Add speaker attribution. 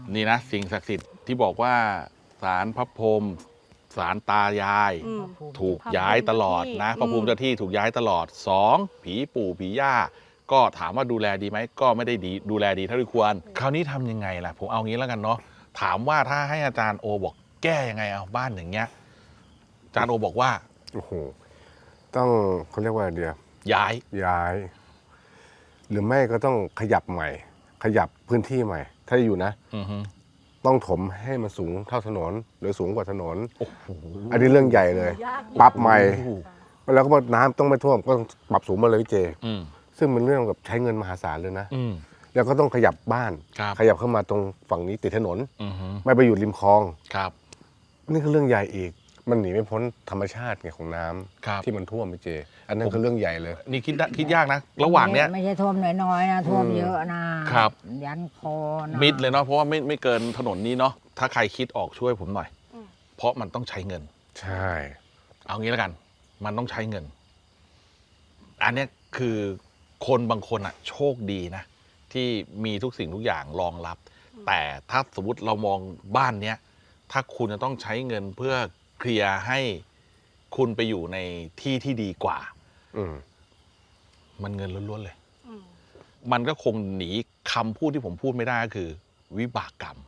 Speaker 1: นี่นะสิ่งศักดิ์สิทธิ์ที่บอกว่าศาลพระพรหมศาลตายายถูกย้ายตลอดนะพระภูมิเจ้าที่ถูกย้ายตลอด2ผีปู่ผีย่าก็ถามว่าดูแลดีไหมก็ไม่ได้ดีดูแลดีเท่าที่ควรคราวนี้ทำยังไงล่ะผมเอางี้แล้วกันเนาะถามว่าถ้าให้อาจารย์โอบอกแก้ยังไงเอาบ้านอย่างเงี้ยอาจารย์โอบอกว่า
Speaker 2: โอ้โหต้องเขาเรียกว่าเดียวย้าย หรือไม่ก็ต้องขยับใหม่ ขยับพื้นที่ใหม่ ถ้าอยู่นะต้องถมให้มันสูงเท่าถนนหรือสูงกว่าถนนอันนี้เรื่องใหญ่เลย ปรับใหม่แล้วก็น้ำต้องไม่ท่วมก็ต้องปรับสูงมาเลยพี่เจซึ่งเป็นเรื่องกับใช้เงินมหาศาลเลยนะแล้วก็ต้องขยับบ้านขยับเข้ามาตรงฝั่งนี้ติดถนนไม่ไปอยู่ริมคลอง
Speaker 1: ครับ
Speaker 2: นี่คือเรื่องใหญ่อีกมันหนีไม่พ้นธรรมชาติไงของน้ำที่มันท่วมพี่เจอันนั้นคือเรื่องใหญ่เลย
Speaker 1: นี่คิดยากนะระหว่างเนี้ย
Speaker 3: ไม่ใช่ท่วมน้อยๆนะท่วมเยอะนะครับยันคอนะ
Speaker 1: มิดเลยเนาะเพราะว่าไม่เกินถนนนี้เนาะถ้าใครคิดออกช่วยผมหน่อยเพราะมันต้องใช้เงิน
Speaker 2: ใช่
Speaker 1: เอางี้แล้วกันมันต้องใช้เงินอันนี้คือคนบางคนอ่ะโชคดีนะที่มีทุกสิ่งทุกอย่างรองรับแต่ถ้าสมมติเรามองบ้านเนี้ยถ้าคุณจะต้องใช้เงินเพื่อเคลียร์ให้คุณไปอยู่ในที่ที่ดีกว่ามันเงินล้วนๆเลยมันก็คงหนีคำพูดที่ผมพูดไม่ได้ก็คือวิบากกรรม